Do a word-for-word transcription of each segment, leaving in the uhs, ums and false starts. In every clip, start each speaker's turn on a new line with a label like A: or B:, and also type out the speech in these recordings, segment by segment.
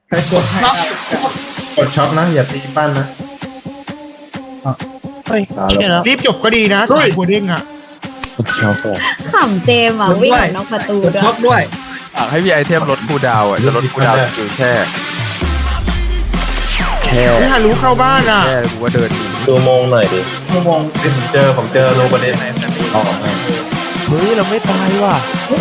A: ใครกดให้กดช็อปนะอย่าตีปั้นนะ
B: เฮ้ยเชื่อแล้ว
C: รีบจบก็ดีนะขายหัวเด้งอ่ะ
D: ขำเจมอ่ะวิ่งออกนอกประตูด้วย
E: ช็อปด้วย
F: อยากให้มีไอเทมลดคูลดาวน์อ่ะจะลดคูลดาวน์คือแค่แค่
C: ไม่ฮารู้เข้าบ้านอ่ะ
F: แค่กูว่าเดิน
B: ดูโมงหน่อยดิ
A: ชั่วโมงผมเจอผมเจอโรประเด็นในสตี
B: ออกมา
F: เฮ้ยเราไม่ตายว่ะ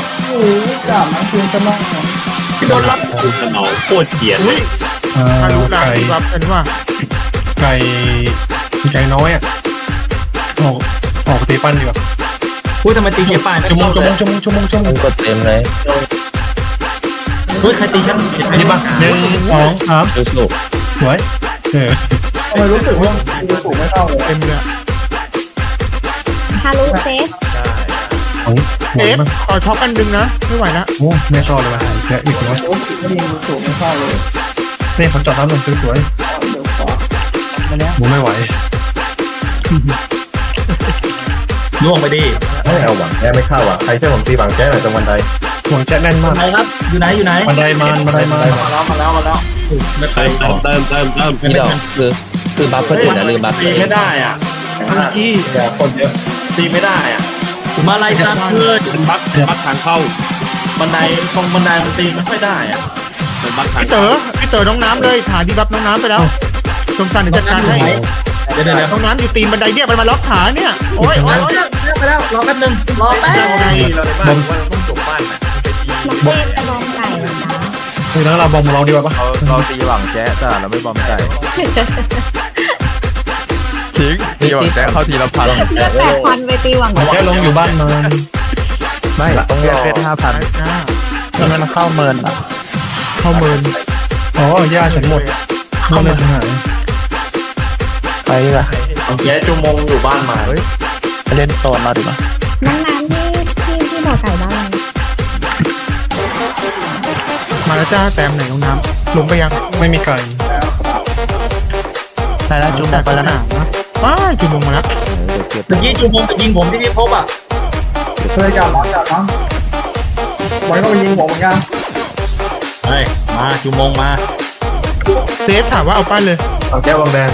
C: โดนรับ
E: คุณสนองโคตรเกลียดเลย
C: ฮารู้นะรับกันว่า
G: ไก่ไก่น้อยอ่ะออกออกตีปั้นดีกว่า
E: พูดทำไมตีเกียร์ป่าน
G: ชั่วโมงชั่วโมงชั่วโมงชั่วโมงชั่วโม
B: มึ
G: ง
B: งกดเต็มเลย
E: เฮ้ยใครตีฉัน
G: อันนี้ป่ะหนึ่งสองสาม
B: ดูสุก
G: สวยเออ
A: ทำไมรู้สึกว่ารู้สึกไม่เข้าเลย
C: เต็มเลย
D: ฮารุเซฟ
G: ของหม
C: เอ
G: ด
C: ฟ
G: มั้ง
C: ขอช็อปอันดึงนะไม่ไหวละ
G: โอ้ไม่เข้าเลยว่ะแกอีกน้อย
A: รู้สึกไม่ดีรู้สึกไม่เข้าเลย
G: นี่ผมจอดน้ำลงสวยๆผมไม่ไหว
E: ล่วงไปดิ
A: ไม่เอาหวังแก้ไม่เข้าอ่ะใครช่วยผมตีหวังแก้หน่อยตรงบันได
G: หวังแจ๊แน่นมาก
E: ไหนครับอยู่ไหนอยู่ไหน
G: บันไดมานบันไดมาน
A: มาแล้วมาแล้วมาแล้ว
E: ไม่ไปต่อ
B: เติมเติมเติมพี่ดอกคือคือบัฟเพื่อนอื่นนะลืมบัฟ
A: ตีไม่ได้อ่ะ
C: ที่
A: อย่าคนเยอะตีไม่ได้อ่ะ
E: มาไล่ซัดเพื่อน
H: เป็นบั๊กเป็นบั๊กทางเข้า
A: บันไดตรงบันไดมันตีไม่ค่อยได้อ่ะ
H: เป็นบั๊กทาง
C: พี่เต๋อพี่เต๋อน้องน้ำเลยฐานดีบัฟน้องน้ำไปแล้วสมศักดิ์เดี๋ยวจัดการให้
E: เดี๋ยวเดี๋ยวเดี๋ยว
C: น้องน้ำอยู่ตีนบันไดเนี่ยมันมาล็อกขาเนี่ยโอ้ยโอ้ยโอ้ย
E: ไปแล้วรอแป๊บนึงรอแป๊บ
C: ยังไง
H: เราในบ้านว่าเราต้องจบบ้านนะ
D: น้องเจมไปลองไก่เหรอจ๊ะ
G: คือแล้วเราบอมเราดีกว่าปะ
F: เราเราตีหวังแจ๊ะแต่เราไม่บอมใจทิ้งตีหวังแจ๊ะเข้าทีละพัน
D: เลือกแปดพันไปตีหวัง
G: หวังแจ๊ลงอยู่บ้านมาน
F: ไม่ต้องเรียกเพชรห้าพัน
C: อ่า
B: แล้วมันเข้าเมินอ่ะ
C: เข้าเมิน
G: อ๋อย่าฉันหมดเข้าเลยหาย
B: ไปดีกว่า
A: แก้ชั่วโมงอยู่บ้านมา
F: เฮ้ย
B: ไปเล่นโซนเราดีกว่า
D: น้องน้ำที่ที่ที่บ่อไก่บ้าน
C: มาแล้วจ้าแต้มไหนน้องน้ำลงไปยัง
G: ไม่มีไก่
B: ไปแล้วจุ๊บไปแล้วนะ
C: ว้ายจุ่มลงมาแล้ว
F: เดี๋ยวเก็บ
E: เมื่อกี้จูมงไปยิงผมที่พี่พบอ่ะ
A: เคยจับน้องจับน้องไว้ก็ไปยิงผมเหมือนกัน
E: เฮ้ยมาจูมงมา
C: เซฟถามว่าเอาปั้นเลย
A: หวังแก้ววังแดง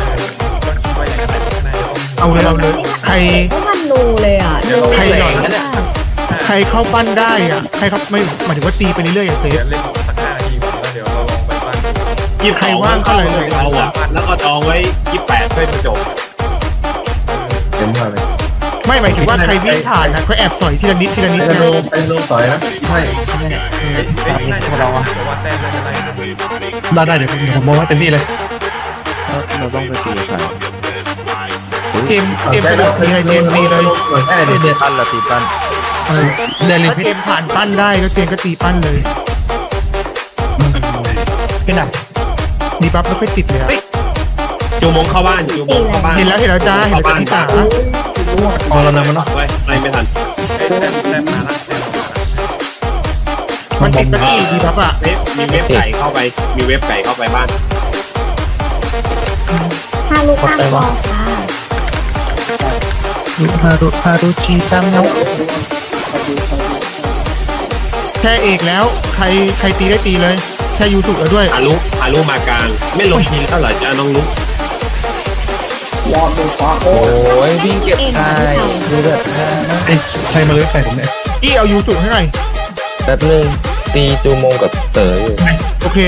C: เอาเลยเอาเลยใคร
D: ก็มันรูเลยอ่ะดู
C: ใครหน่อย
D: นะ
C: ใครเข้าปั้นได้อ่ะใครเขาไม่หมายถึงว่าตีไปเรื่อยๆอย่างเซฟ
H: เล่นสักห้านาทีก่อนแล้วเดี๋ยวเราลองไปบ้าน
C: หยิบใครว่างเข้าเลยเลย
H: เราอ่ะแล้วก็จองไว้ยี่สิบแปดเพื่อจะจบ
A: เต็มมากเลย
C: ไม่หมายถึงว่าใครวิ่งผ่านนะเขาแอบสอยทีละนิดทีละนิด
A: เป็น
C: นะ
A: โลเป็นโลสอยนะใช่
H: น่าจะเราอ่ะเพราะว่าแต้มน่าจะได้
G: ได้ได้เดี๋ยวเดี๋ยวผมมองว่าเต็มที่เลย
F: เราต้องไปตีใคร
C: เกมเกมไปเลยตีเลยเกมตีเลย
A: หวังแก้ดิ
F: ตีปั้นละตีปั้น
G: เดลิ
C: ถ้า
G: ฟิ
C: เกมผ่านปั้นได้ก็เกมก็ตีปั้นเลย
G: พี่หนัก
C: ดีบัฟไม่ค่อยติดเลยอะ
H: จูมงเข้าบ้านจูมงเข้าบ้าน
C: เห็นแล้วเห็นแล้วจ้าเห็นแล้วจ้าที่สา
G: พอเรานำมันเนาะ
H: ไว้ไล่ไม่ทันแต้มแต้มมาละแต้ม
C: มันติดก็ตีดีบัฟอ่ะ
H: เว็บมีเว็บไก่เข้าไป มีเว็บไก่เข้าไปบ้าน
D: ฮารุตั้งคอค่ะ
B: ฮารุฮารุชีตั้งเนาะ
C: แค่เอกแล้วใครใครตีได้ตีเลยแค่ยูถูกแล้วด้วย
H: ฮารุฮารุมากลาง ไม่ลงทีแล้วเหรอจ้าน้องลุก
B: โอ้ยวิ่งเก็บไก่คือแบบ
G: ไอ้ใครมาเลยไก่ผมเนี่ย
C: อี้เอายูถูกให้หน่อย
B: แป๊บนึงตีจูโมงกับเต๋ออยู่
C: โอเค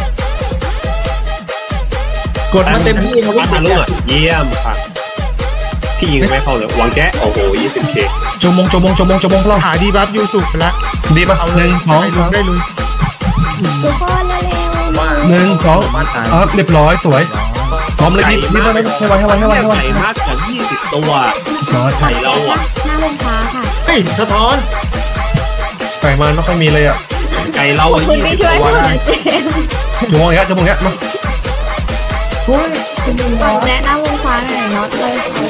E: กดมาเต็มที่มา
H: บ้านฮารุอ่ะเยี่ยมค่ะ พี่ยิงไม่เข้าเลยหวังแจ๊โอ้โหยี่สิบเค
G: จมงจมงจมงจมงเรา
C: หาดีบัฟยูถูกไปแล้ว
G: ดีป่ะหนึ่งสอง
C: ไปลุ
G: สาย ม
C: ได้ลุย
D: ทุกคนเร็ว
G: หนึ่งสองอ๋อเรียบร้อยสวยพร้อมเลยพี่พี่ต้องให้ไวให้ไวให้ไวให้ไว
H: ไก่มากกว่ายี่สิบตัว
G: ร้อย
H: ไก่เราอ่ะ
D: หน้าโรงฟ้าค่ะ
E: เฮ้ยสะท้อน
G: ไก่มันไม่ค่อยมีเลยอ่ะ
H: ไก่เรา
D: ขอบ
H: อ่ะ
D: คุณ
H: ยี่
D: ที่
H: สิบ
D: ช่วย
H: ตัว
D: หนู
H: ได้
D: นะเจมส์
G: จมงอย่างเงี้ยจมงอย่างเงี้ยมา
D: แนะนำโรงฟ้าหน่อยน็อตเลย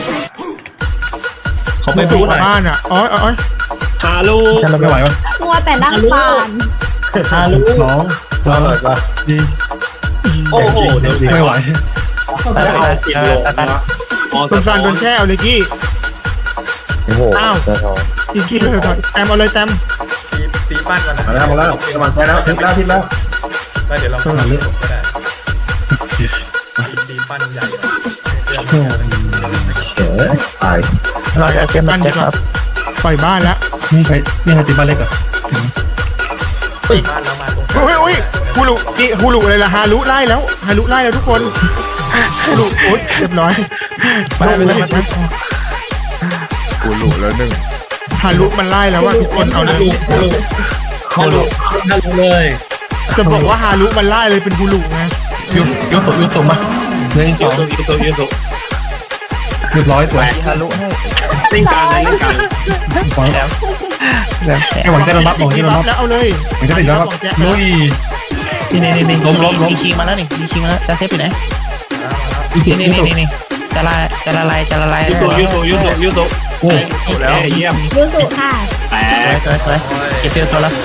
E: เขาไป
C: ไม่
E: พู
C: ถู
E: ด
C: ก
E: หน่อย
C: บ้านอ่ะอ๋ออ๋อ
H: ฮารุ
G: แค่เราไม่ไหววะ
D: มัวแต่นั่งปาน
E: ฮารุ
G: สองสามสี่
H: โอ้โหเดี๋ยว
G: ไม่ไหว
H: แต่เอาสิบโลนะอ๋อ
C: สมสารโดนแช่เอาเลยกี้
B: โอ้โหสะท้อน
C: อีกกี้เลยก่อนแต้มเอาเลยแต้ม
H: ตีปั้นกัน
A: มาแล้วมาแล้วกำลังใจแล้วทิศแล้วทิศแล้วแล้วเดี๋ยวเราเข้ามาเลือกก็ได้ตีปั้นใหญ่
B: ตาย
C: เราจะเซฟมันจะครับปล่อยบ้านแล้ว
G: นี่ใครนี่ใครตีบ้านเล็กเหรอ
A: บ้านแล้วมาตรง
C: โอ้ยโอ้ยฮูลุนี่ฮูลุอะไรล่ะฮารุไล่แล้วฮารุไล่แล้วทุกคนฮูลุโอ๊ยเรียบร้อยลงเลย
F: กูหลุดแล้วหนึ่ง
C: ฮารุมันไล่แล้วว่าทุกคนเอาเลย
E: เข้าลงเข้าลงเลย
C: จะบอกว่าฮารุมันไล่เลยเป็นฮูลุไง
G: ยุยุตกยุตกมาหนึ่งส
H: ยู
G: อง
H: โซยูโซยูโซ
G: เรียบร้อยสวย
B: ทะลุให้
H: เล่นกลางเลยเล่นกลาง
G: สองไอ้หวังจะระบับหวังที่ระบับ
C: แล้วเอาเลย
G: หวังจะติดระบับลุย
I: นี่นี่นี่
G: ล้มล้มล้ม
I: มีคิงมาแล้วนี่มีคิงมาแล้วจะเซฟอยู่ไหนนี่นี่นี่นี่จะละจะละลายจะละลาย
H: ยูโซยูโซยูโซยูโซ
G: โอ้
H: แล้วเยี่ยม
D: ยูสุค่ะ
H: แต่
I: สวยสวยเก็บเตียวตัวแล้ว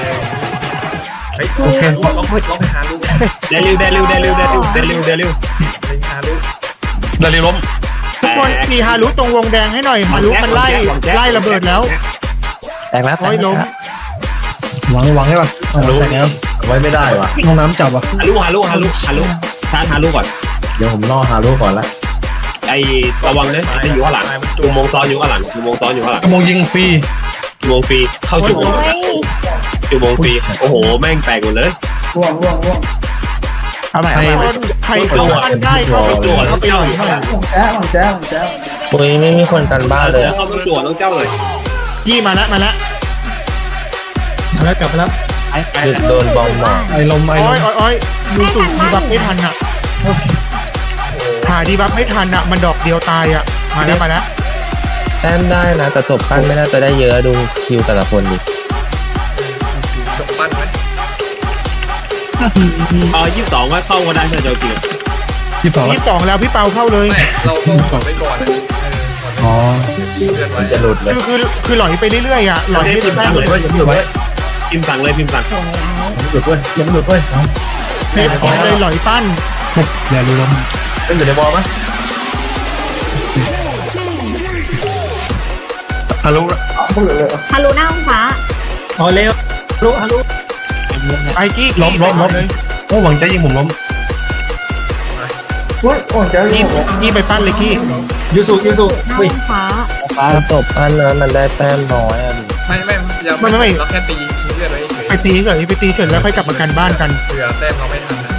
G: โอเค
A: ล็อกล็อกล็อกไปหาลูก
H: เดลิวเดลิวเดลิวเดลิวเดลิวเดลิว
A: ไปหาลูก
G: ดาริล้ม
C: ทุกคนตีฮารุตรงวงแดงให้หน่อยฮารุมันไล่ไล่ระเบิดแล้ว
I: แตกแล้วแต
C: โอ้
I: ก
C: ยล้ม
G: หวังหวังใช่ป่ะรู้แต่แล้ว
B: ไว้ไม่ได้วะ
G: ห้องน้ำจับอ่ะ
H: ฮารุฮารุฮารุฮารุชาร์จฮารุก่อน
B: เดี๋ยวผมล่อฮารุก่อนละ
H: ไอ้ระวังนะจะอยู่ข้างหลังจูมงซ้อนอยู่ข้างหลังจูมงซ้อนอยู่ข้างหลัง
G: กระโมงยิงฟรี
H: จูมงฟรีเข้าจูมง
D: โอ้ย
H: จูมงฟรีโอ้โหแม่งแตกหมดเลย
A: ร่วงร่วงร่วง
I: เอาใหม่
C: ใคร
I: เอาใหม่
C: ใครเข้าบ้านได้เข้าไปตัวเข้าไปหน่อยเข้าไป
A: ของแจ้ของแจ้ของแจ้
B: ปุยไม่มีคนกันบ้านเลย
H: แล้ว
B: อะ
H: เข้าต้องจั่วต้องเจ้าเลย
C: ยี่มาแล้วมาแล้ว
G: แล้วกลับไปแล้ว
B: หยุดโดนบอมหมอก
G: ไอ้ลมไอ้
C: โอ้
G: ล
C: ย
G: ม
C: โอ้ยโอ้ยยูสุดีบัฟไม่ทันอ่ะหาดีบัฟไม่ทันอ่ะมันดอกเดียวตายอ่ะมาแล้วมาแล้ว
B: แต้มได้นะแต่จบปั้นไม่น่าจะได้เยอะดูคิวแต่ละคนดิ
A: จบปั้นไหม
H: เออยี่สิบสองว่าเข้าก็ได้ถ้าจะจริง
G: ยี่สิบสอง
C: ยี่สิบสองแล้วพี่เปาเข้าเลย
A: ไม่เราต้องกดไปก่อนนะ
G: อ๋อ
A: เลื่อนไว้
B: จะหลุดเลย
C: คือคือคือหลอยไปเรื่อยๆอ่ะหลอยไม่
H: พิ
C: ได้
H: มพ์
C: แต้
H: สั่
C: ม
H: ง
C: เล
H: เลย ยพิมพ์สั่งเลยพิมพ์สั่ง
D: สวยแล้ว
B: หลุดด้วยยังหลุดด้วย
C: เพชรเลยหลอยปั้น
G: อย่ารู้ล้ม
B: เป็นอยู่ในบอลไหม
G: ฮารุ
D: ฮารุหน้าห้องฟ้า
E: เอาเร็วลุฮัลโหล
C: ไอกี้
G: ล้มล้มล้มโอ้หวังจะยิงผมล้ม
A: โอ้ยโอ้ยแจ้
C: กี้กี้ไปปั้นเลยกี้
E: ยูสุยูสุ
D: หน้า
E: เฮ้ย
D: ห้องฟ้า
B: ฟ้าจบปั้นแล้วมันได้แต้มน้อยอะดิ
A: ไม่ไม่ยังไม่เราแค่ตีทิ้งเลือดไว้เฉย
C: ไปตีเฉยไปตีเฉยแล้วค่อยกลับมากันบ้านกัน
A: เผื่อแต้มเราไม่ทันนะ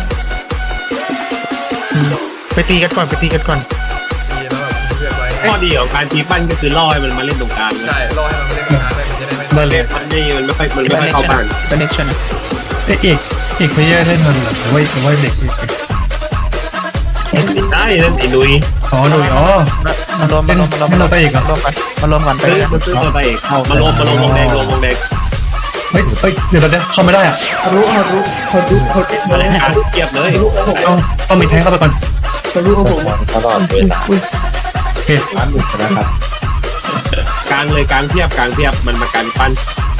C: ไปตีกันก่อนไปตีกันก่อน
A: ตีแล้วแบบทิ้งเลือดไว้
H: ข้อดีของการทีปั้นก็คือล่อให้มันมาเล่นตรงกลาง
A: ใช่รอให้มันไม่ได้นานเลยมันจะได้ไม่
G: ได้เลย
H: มันไม่มันไม่ค่อยมันไม่ค่อยเข้าบ้าน
I: เป็นเน็กชั่น
G: เอ๊ะเอกเอกเพลเยอร์ได้ทันหรือว่าหรือว่าเด็ก
H: ได้นั่นไอ้นุ้ย
G: อ๋อหนุ่ยอ๋อ
I: มารวมมารวมมารวม
G: ไม่เราไปอีกเหรอ
I: มารวมกันมารวมกันไป
H: ซื้อมันซื้อตัวตาเอกเข้ามาลงมาลงวงแดงลงวงแดง
G: เฮ้ยเฮ้ยเดี๋ยวเราเข้าไม่ได้อ่ะ
A: ฮารุฮารุฮารุฮารุ
H: อะไรการเกียบเลย
G: ต้องต้องมีแทงเข้าไปก่อน
A: ฮารุของผม
B: ตลอดเวลา
G: โอเค
B: ปั้นหลุดนะครับ
H: กลางเลยกลางเทียบกลางเทียบมันมาการปั้น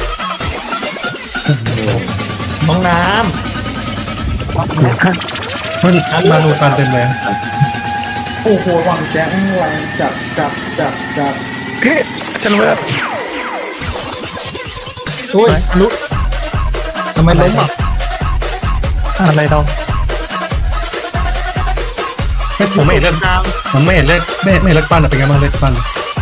E: ห้องน้
G: มันมาดูการเต็มเลย
A: โอ้โหหวังแจ้งแรงจับจับจับจับ
I: ฉันเลือก
E: ำโอ้ย
C: ลุก
E: ทำไมล้มอ่ะ
I: อะไรเรา
G: ผมไม่เห็นเลือด
C: กลาง
G: ผมไม่เห็นเลือดไม่ไม่เห็นเลือดปั้นเป็นไงบ้างเลือดปั้น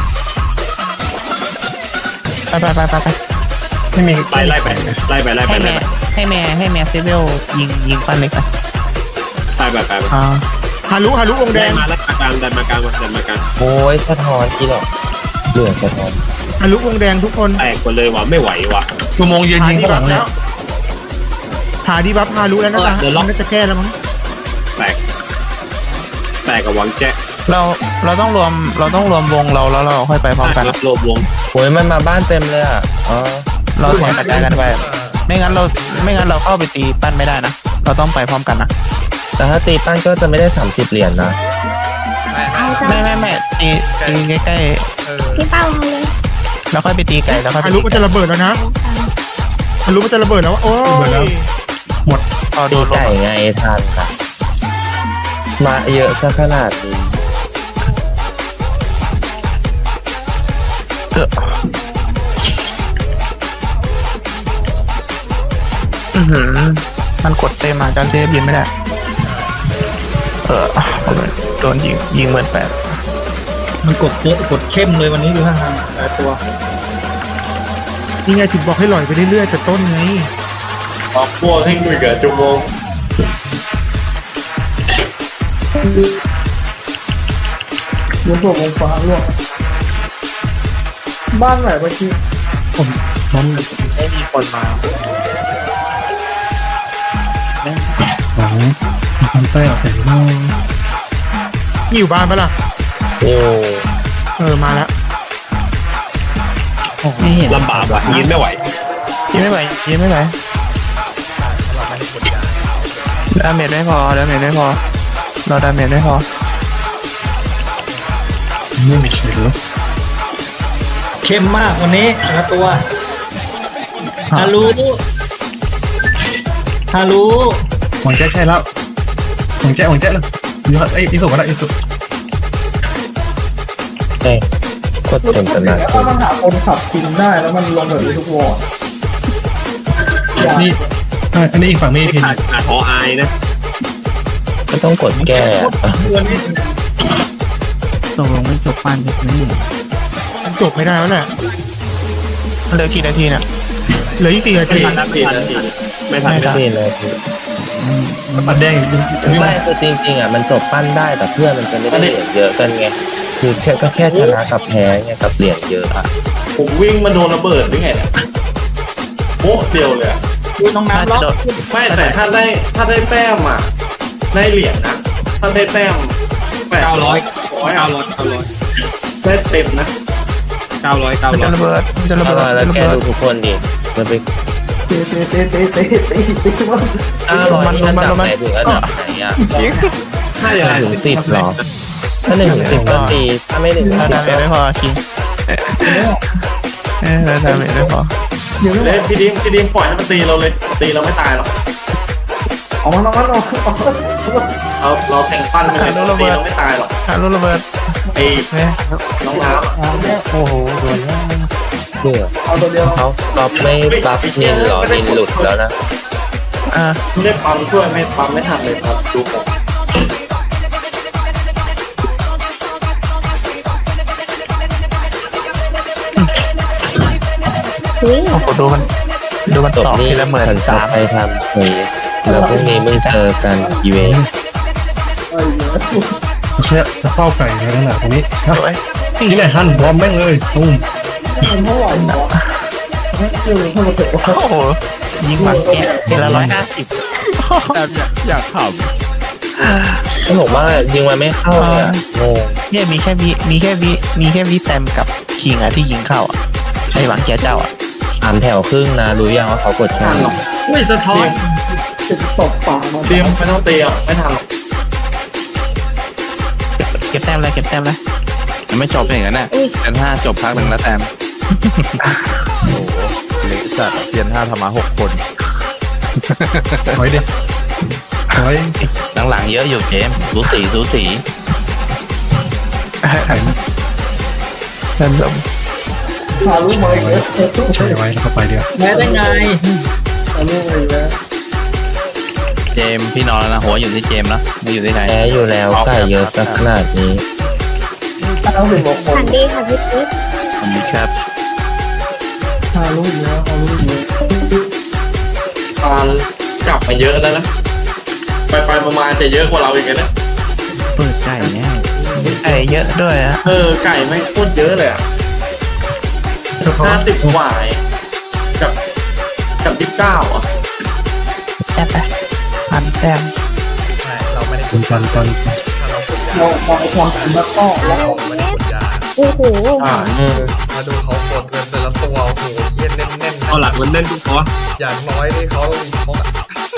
I: ไปไปไปไปไป
G: ไม่มี
H: ไล่ไล่ไปไล่ไปไล่ไป
I: ให้
H: ไล่
I: แม่
H: ไป
I: ให้แม่ให้แม่เซเวลยิงยิงปั้นเล็กไป
H: ไล่ไปไปไป
I: อ่า
C: ฮารุฮารุวงแด
H: ได้
C: ง
H: มาแล้วกลางดันมากลางมาดันมากลาง
B: โอ้ยสะท้อนกี่หรอกเหลือสะท้อน
C: ฮารุวงแดงทุกคน
H: แตกหมดเลยว่ะไม่ไหวว่ะ
G: ตัวโมงยืนยิงข้างหลังเลย
C: หาดีบัฟฮารุแล้วนะจ๊ะน่าจะแก้แล้วมั้ง
H: แตกแตกกับวังแจ๊ะ
I: เราเราต้องรวมเราต้องรวมวงเราแล้วเราค่อยไปพร้อมกัน
H: รับโลบวง
B: โอ้ยมันมาบ้านเต็มเลยอ่ะอ๋อ
I: เราแข่งกระจายกันไป ไม่งั้นเราไม่งั้นเราเข้าไปตีปั้นไม่ได้นะเราต้องไปพร้อมกันนะ
B: แต่ถ้าตีปั้นก็จะไม่ได้สามสิบเหรียญนะ
D: เอาจ้ะ
I: ไม่ไม่ไม่ตีตีใกล้
A: เออ
D: พี่เป้าเอาเลย
I: ๆแล้วค่อยไปตีไกลแล้วค่อยไป
C: ฮารุ
I: ตี
C: มัน
I: ไกล
C: จะระเบิดแล้วนะฮารุมันจะระเบิดแล้วโอ้ย
I: พอโด
B: ตี
I: นล
B: ไก่
I: ง
B: ไงทันค่ะมาเยอะซะขนาดนี้
I: เอออื้อหือมันกดเต็มอ่ะการเซฟยิงไม่ได้เออโดนยิงยิงเหมือนแปด
E: มันกดเยอะกดเข้มเลยวันนี้ดูท่าทางแต่ตัว
C: นี่ไงถึงบอกให้ลอยไปเรื่อยๆแต่ต้นไง
H: ออกพวกให้คุยกับจุงโมง
A: ลูกตัววงฟ้าล่วงบ้านไหนเมื่อกี้
E: มัน
I: ไม่มีคนมา
G: ของคอนเตอร์แต่งน้อย
C: นี่อยู่บ้านปะล่ะ
B: โอ้
C: เออมาแล้ว
E: ไม่เห็น
H: ลำบากว่ะยืนไม่ไหว
I: ยิงไม่ไหวยิงไม่ไหวดาเมจไม่พอดาเมจไม่พอเราดาเมจไม่พอ
G: ไม่มีเขียนแล้ว
E: เข้มมากวันนี้แต่ละตัวฮารุฮารุ
G: หวังแจ๊ใช่แล้วหวังแจ๊หวังแจ๊เลยเยอะไอ้อีสุก็ได้อีสุ
B: เอ้ยกดเต็มขนาด
A: ถ้ามันหาคนขับกินได้แล้วมันลงแบบนี้ทุกวอร์ด
G: นี่อันนี้อีกฝั่งไม่พิน
H: ขาดขาดหออายนะ
B: ก็ต้องกดแก้อะ
E: ตัวนี้
I: ตกลงไม่จบปั้นใช่ไหม
C: มันจบไม่ได้แล้วแหละ
I: เหลือกี่นาทีเนี่ย
C: เหลืออีกสี่นา
H: ไม่
C: ที
H: ทันนาทีนาทีไม่ทันไม่ทัน
B: นี่เลยคือ
G: ปัดแดงอีก
B: ไม่คือจริงๆอ่ะมันจบปั้นได้แต่เพื่อนมันจะไม่ได้เหรียญเยอะกันไงคือแค่ก็แค่ชนะกับแพ้ไงกับเหรียญเยอะอ่ะ
H: ผมวิ่งมาโดนระเบิดหรือไงเนี่ยโป๊ะเดียวเลยอะ
E: ดูน้องน้ำล็อก
H: ไม่แต่ถ้าได้ถ้าได้แต้มอ่ะได้เหรียญนะถ้าได้แต้มแปด
E: เก้าร้อย
H: ร้อย
E: เก้า
H: เอา
E: ร้อยเก้าร้อย
H: ได้เต็มนะ
E: เก้าร้อยเก้า
I: มัน
E: ร้อ
I: จะ
E: ย
I: ระเบิดมันจะระ
B: ถ้า
I: เบิด
B: เราแล้ว
I: ระ
B: แก
I: เบิด
B: ดูทุกคนดิมันไป
A: เตะเตะเตะเตะเตะเตะเตะมัน
B: อ้าวร้อยนี่อันดับไหนถึงอันดับไหนอ่ะ
H: ถ้าอย่างไร
B: ถึงสิบหรอถ้าหนึ่งถึงสิบก็ตีถ้าไม่หนึ่งถึง
I: เรา
B: สิบ
I: ดาเม
B: ก็
I: จไม่พอคิงเออเราดาเมจไม่พอ
A: เดี๋ยว
H: เล่พี่ดิมพี่ดิมปล่อยให้มันตีเราเลยตีเราไม่ตายหรอก
A: ออกมาออกมาออกมา
H: เราเราแทงปั้นไปเลยตีเราไม่ตายหรอก
I: ฮารุระเบิด
H: ไอ้
I: เนี่ย
H: น้องน้ำ
I: โอ้โหโดนแล้ว
B: เบื่อ
A: เอาตัวเดียว
B: เขาก๊อปไม่บัฟนินหรอนินหลุดแล้วนะ
I: อ่า
H: ไม่ได้ปั๊มช่วยไม่ปั๊มไม่ทันเลยครับดูผม
D: เฮ้ย
I: โอ้โหดูมันดูมัน
B: จบ
I: ตอก
B: นี่
I: ทีละหมื่น
B: ฉัน
I: สาม
B: ไปทำเฮ้ยแล้วพรุ่งนี้มึงเจอกันอีเวนต์
A: ไอ้เหี้ย
G: แค่จะเฝ้าไก่แค่นั้นแหละตรงนี้
I: โอ้ย
G: นี่ไหนฮันบอมแม่งเลยตุ้ม
A: มันเท่าไหร่วะไม่เจอเท่าไหร่วะ
I: โอ้โหยิงหวังแกะทีละร้อยห้าสิบ
F: อยากข
B: ก็บอกว่ายิงมันไม่เข้าเลยอะงง
I: เนี่ยมีแค่วิมีแค่วิมีแค่วิแตมกับคิงอะที่ยิงเข้าอะไอ้หวังแกะเจ้าอะ
B: สามแถวครึ่งนะรู้ยังว่าเขากดแค่ไหน
E: อุ้ยสะท้อน
A: จะตบปากมัน
H: เตรียมไม่ต้องเตรียมไม่ทันหรอก
I: เก็บแต้มเลยเก็บแต้มเลย
F: ำไม่จบอย่างนั้นน่ะเทียนห้าจบพักหนึ่งแล้วแต้มโอ้โหเล็กสัตว์เทียนห้าทำมาหกคน
G: ถอยดิถอย
F: หลังๆเยอะอยู่เกมสูสีสูสี
I: เดินลง
A: หาลูกมาอีกแล้ว
G: ใช้ไว้แล้วก็ไปเดียว
E: แม้ได้ไง
A: หาลูกมาอีกแล้ว
F: เจมพี่นอนแล้วนะหัวอยู่ที่เจมนะไม่อยู่ที่ไหน
B: แพ้อยู่แล้วไก่เยอะสักขนาดนี้
A: ต้องเป็นบอกคน
D: ฝันดีค่ะพี่ปิ๊ก
F: ผมมีครับ
A: หาลูกเยอะหาลูกเยอะ
H: ตอนกลับมาเยอะแล้วนะไปไปๆมาๆจะเยอะกว่าเราอีกนะ
I: เปิดไก่แน่ไก่เยอะด้วยอะ
H: เออไก่ไม่งโคตรเยอะเลยอ่ะ
G: สะท้อ
H: ห้าน สิบกว่ากับกับยี่สิบเก้าอ่ะ
I: แต้มไปพันแต้ม
G: คุณตอนตอน
A: เรามองความจริงแล้วก็เรา
D: โอ้โห
H: อ่า
B: อืม
J: มาดูเขากดเงินแต่ละตัวโอ้โหเฮียแน่นๆ
H: เอาหลักมันเล่นทุกคอ
J: อย่างน้อยนี่เขาต้องมีคอกอะ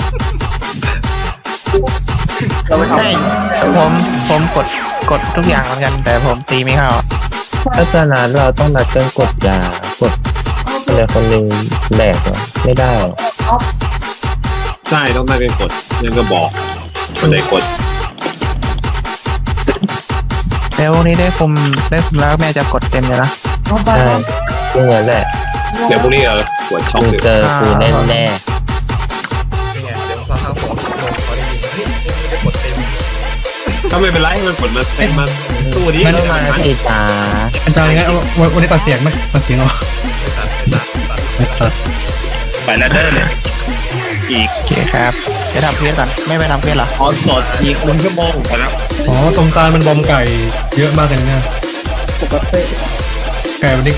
A: เราไปทำ
I: ใช่ผมผมกดกดทุกอย่างเหมือนกันแต่ผมตีไม่เข้าอะ
B: ถ้าจะนัดเราต้องนัดกันกดยากดอะไรคนหนึ่งแบกเหรอไม่ได้หรอ
H: ใช่ต้องได้เป็นกดนั่นก็บอกคนไหนกด
I: แล้ววันนี้ได้คุมได้คุมแล้วแม่จะกดเต็มเลยนะ
A: เอาไป
B: ใช่พวกนั้นแหละ
H: เดี๋ยวพรุ่งนี้เราปวดช็อก
B: มึง
H: เลย
B: เจอกูแน่แน่
J: นี่ไงเดี๋ยวซัส
G: ก็ไม่เป็นไรมันผลมาเป็นมาตู้นี้
B: มันมาสิจ้า
G: อาจารย์งั้นวันนี้ตัดเสียงไหมตัดเสียงเอาไปแล้วเด้อเลยอีก
I: โอเคครับจะทำเควสก่อนไม่ไปทำเควสเหรอ
F: ออนสดอีกหนึ่งชั่วโมงไปแล้ว
G: อ๋อตรงกลางมันบอมไก่เยอะมากเลยนะไก่วันนี้